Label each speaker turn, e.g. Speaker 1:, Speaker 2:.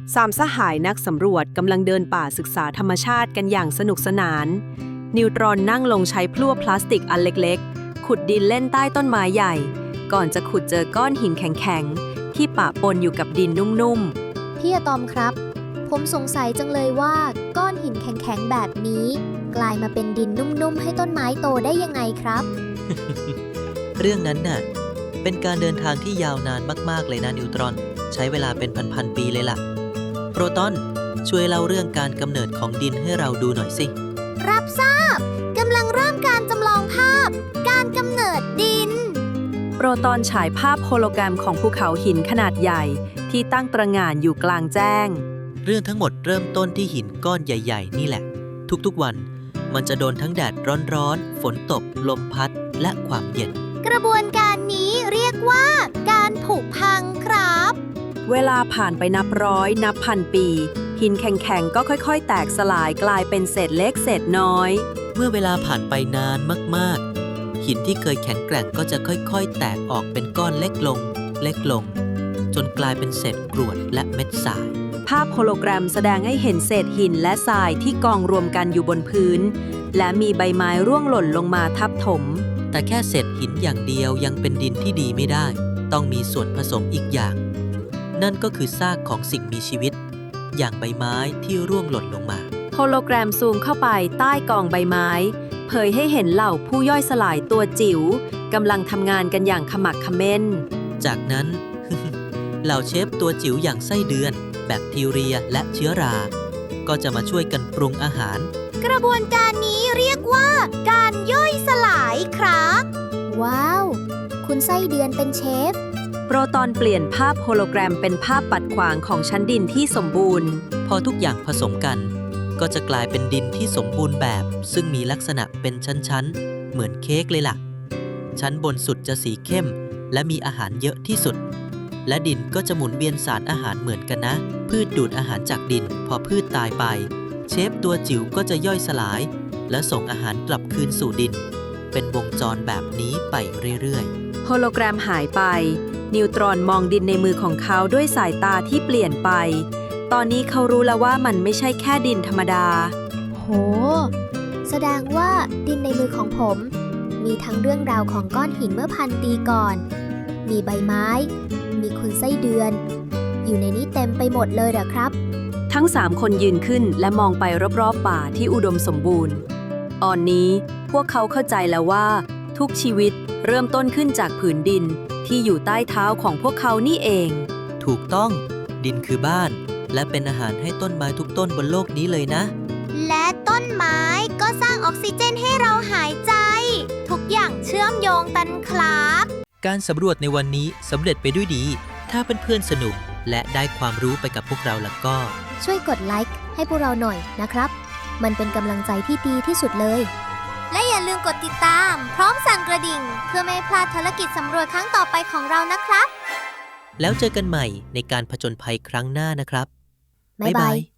Speaker 1: สามสหายนักสำรวจกำลังเดินป่าศึกษาธรรมชาติกันอย่างสนุกสนาน นิวตรอนนั่งลงใช้พลั่วพลาสติกอันเล็กๆขุดดินเล่นใต้ต้นไม้ใหญ่ก่อนจะขุดเจอก้อนหินแข็งๆที่ปะปนอยู่กับดินนุ่มๆ
Speaker 2: พี่อะตอมครับผมสงสัยจังเลยว่าก้อนหินแข็งๆแบบนี้กลายมาเป็นดินนุ่มๆให้ต้นไม้โตได้ยังไงครับ
Speaker 3: เรื่องนั้นน่ะเป็นการเดินทางที่ยาวนานมากๆเลยนะนิวตรอนใช้เวลาเป็นพันๆปีเลยล่ะโปรตอนช่วยเล่าเรื่องการกำเนิดของดินให้เราดูหน่อยสิ
Speaker 2: รับทราบกำลังเริ่มการจำลองภาพการกำเนิดดิน
Speaker 1: โปรตอนฉายภาพโฮโลแกรมของภูเขาหินขนาดใหญ่ที่ตั้งตระหง่านอยู่กลางแจ้ง
Speaker 3: เรื่องทั้งหมดเริ่มต้นที่หินก้อนใหญ่ๆนี่แหละทุกๆวันมันจะโดนทั้งแดดร้อนๆฝนตกลมพัดและความเย็น
Speaker 2: กระบวนการนี้เรียกว่าการผุพังครับ
Speaker 1: เวลาผ่านไปนับร้อยนับพันปีหินแข็งๆก็ค่อยๆแตกสลายกลายเป็นเศษเล็กเศษน้อย
Speaker 3: เมื่อเวลาผ่านไปนานมากๆหินที่เคยแข็งแกร่งก็จะค่อยๆแตกออกเป็นก้อนเล็กลงเล็กลงจนกลายเป็นเศษกรวดและเม็ดทราย
Speaker 1: ภาพโฮโลแกรมแสดงให้เห็นเศษหินและทรายที่กองรวมกันอยู่บนพื้นและมีใบไม้ร่วงหล่นลงมาทับถม
Speaker 3: แต่แค่เศษหินอย่างเดียวยังเป็นดินที่ดีไม่ได้ต้องมีส่วนผสมอีกอย่างนั่นก็คือซากของสิ่งมีชีวิตอย่างใบไม้ที่ร่วงหล่นลงมา
Speaker 1: โฮโลแกรมซูมเข้าไปใต้กองใบไม้เผยให้เห็นเหล่าผู้ย่อยสลายตัวจิ๋วกำลังทำงานกันอย่างขมักเขม้น
Speaker 3: จากนั้น เหล่าเชฟตัวจิ๋วอย่างไส้เดือนแบคทีเรียและเชื้อราก็จะมาช่วยกันปรุงอาหาร
Speaker 2: กระบวนการนี้เรียกว่าการย่อยสลายครับว้าวคุณไส้เดือนเป็นเชฟ
Speaker 1: โปรตอนเปลี่ยนภาพโฮโลแกรมเป็นภาพปัดขวางของชั้นดินที่สมบูรณ์
Speaker 3: พอทุกอย่างผสมกันก็จะกลายเป็นดินที่สมบูรณ์แบบซึ่งมีลักษณะเป็นชั้นๆเหมือนเค้กเลยล่ะชั้นบนสุดจะสีเข้มและมีอาหารเยอะที่สุดและดินก็จะหมุนเวียนสารอาหารเหมือนกันนะพืชดูดอาหารจากดินพอพืชตายไปเชฟตัวจิ๋วก็จะย่อยสลายและส่งอาหารกลับคืนสู่ดินเป็นวงจรแบบนี้ไปเรื่อย
Speaker 1: ๆโฮโลแกรมหายไปนิวตรอนมองดินในมือของเขาด้วยสายตาที่เปลี่ยนไปตอนนี้เขารู้แล้วว่ามันไม่ใช่แค่ดินธรรมดา
Speaker 2: โหแสดงว่าดินในมือของผมมีทั้งเรื่องราวของก้อนหินเมื่อพันปีก่อนมีใบไม้มีคุณไส้เดือนอยู่ในนี้เต็มไปหมดเลยเหรอครับ
Speaker 1: ทั้ง3คนยืนขึ้นและมองไปรอบๆป่าที่อุดมสมบูรณ์ตอนนี้พวกเขาเข้าใจแล้วว่าทุกชีวิตเริ่มต้นขึ้นจากผืนดินที่อยู่ใต้เท้าของพวกเขานี่เอง
Speaker 3: ถูกต้องดินคือบ้านและเป็นอาหารให้ต้นไม้ทุกต้นบนโลกนี้เลยนะ
Speaker 2: และต้นไม้ก็สร้างออกซิเจนให้เราหายใจทุกอย่างเชื่อมโยงกันครับ
Speaker 3: การสำรวจในวันนี้สำเร็จไปด้วยดีถ้าเพื่อนๆสนุกและได้ความรู้ไปกับพวกเราแล้วก็
Speaker 2: ช่วยกดไลค์ให้พวกเราหน่อยนะครับมันเป็นกำลังใจที่ดีที่สุดเลยและอย่าลืมกดติดตามพร้อมสั่นกระดิ่งเพื่อไม่พลาดภารกิจสำรวจครั้งต่อไปของเรานะครับ
Speaker 3: แล้วเจอกันใหม่ในการผจญภัยครั้งหน้านะครับ
Speaker 2: บ๊ายบาย